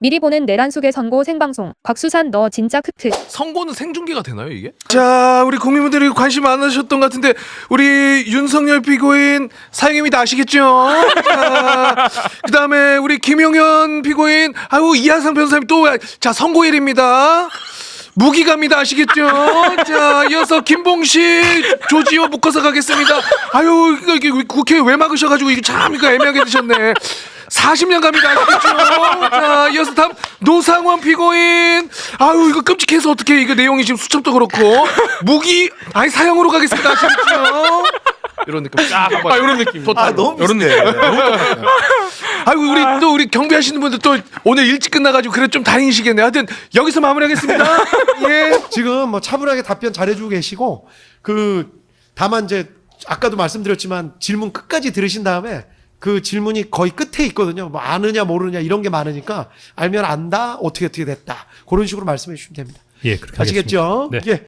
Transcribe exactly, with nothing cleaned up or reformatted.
미리 보는 내란숙의 선고 생방송. 곽수산 너 진짜 크크. 선고는 생중계가 되나요 이게? 자, 우리 국민분들이 관심 많으셨던 것 같은데 우리 윤석열 피고인 사형입니다. 아시겠죠? 자, 그다음에 우리 김용현 피고인 아유 이하상 변호사님 또 자 선고일입니다. 무기갑니다. 아시겠죠? 자, 이어서 김봉식 조지호 묶어서 가겠습니다. 아유 이거 이게 국회 왜 막으셔가지고 이거 참 이거 애매하게 되셨네. 사십 년 갑니다. 아시겠죠? 자, 이어서 다음 노상원 피고인. 아유 이거 끔찍해서 어떻게 이거 내용이 지금 수첩도 그렇고 무기 아니 사형으로 가겠습니다. 아시겠죠? 이런 느낌. 쫙 아 이런 느낌. 아 너무 비슷해. 아이고 우리 또 우리 경비하시는 분들 또 오늘 일찍 끝나가지고 그래 좀 다행이시겠네요. 하여튼 여기서 마무리하겠습니다. 예. 지금 뭐 차분하게 답변 잘해주고 계시고 그 다만 이제 아까도 말씀드렸지만 질문 끝까지 들으신 다음에 그 질문이 거의 끝에 있거든요. 뭐 아느냐 모르느냐 이런 게 많으니까 알면 안다 어떻게 어떻게 됐다 그런 식으로 말씀해 주시면 됩니다. 예, 그렇게 아시겠죠? 하겠습니다. 네. 예.